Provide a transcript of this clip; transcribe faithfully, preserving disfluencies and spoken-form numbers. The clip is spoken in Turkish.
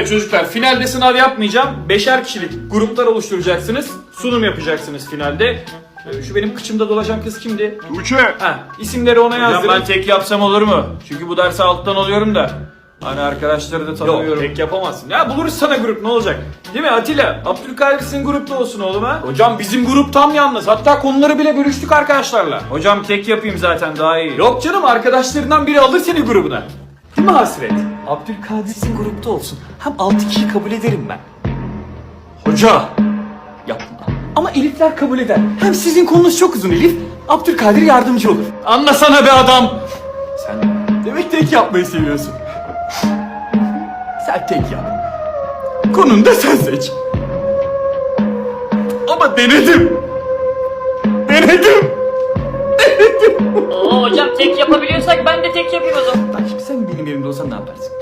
Evet çocuklar, finalde sınav yapmayacağım. Beşer kişilik gruplar oluşturacaksınız. Sunum yapacaksınız finalde. Ee, Şu benim kıçımda dolaşan kız kimdi? Tuğçe. Ha, isimleri ona Hocam yazdırın. ben tek yapsam olur mu? Çünkü bu dersi alttan alıyorum da. Hani arkadaşları da Yok, tanımıyorum. tek yapamazsın. Ya buluruz sana grup, ne olacak? Değil mi Atilla? Abdülkadir sizin grupta olsun oğlum ha. Hocam bizim grup tam yalnız. Hatta konuları bile bölüştük arkadaşlarla. Hocam tek yapayım zaten daha iyi. Yok canım, arkadaşlarından biri alır seni grubuna. Değil mi Hasret? Abdülkadir sizin grupta olsun. Hem altı kişi kabul ederim ben. Hoca! Yapma. Ama Elifler kabul eder. Hem sizin konunuz çok uzun Elif. Abdülkadir yardımcı olur. Anlasana be adam! Sen demek tek yapmayı seviyorsun. Sen tek yap. Konunu da sen seç. Ama denedim. Denedim. Oo hocam tek yapabiliyorsak ben de tek yapayım o zaman. Bak şimdi sen benim yerimde olsan ne yaparsın?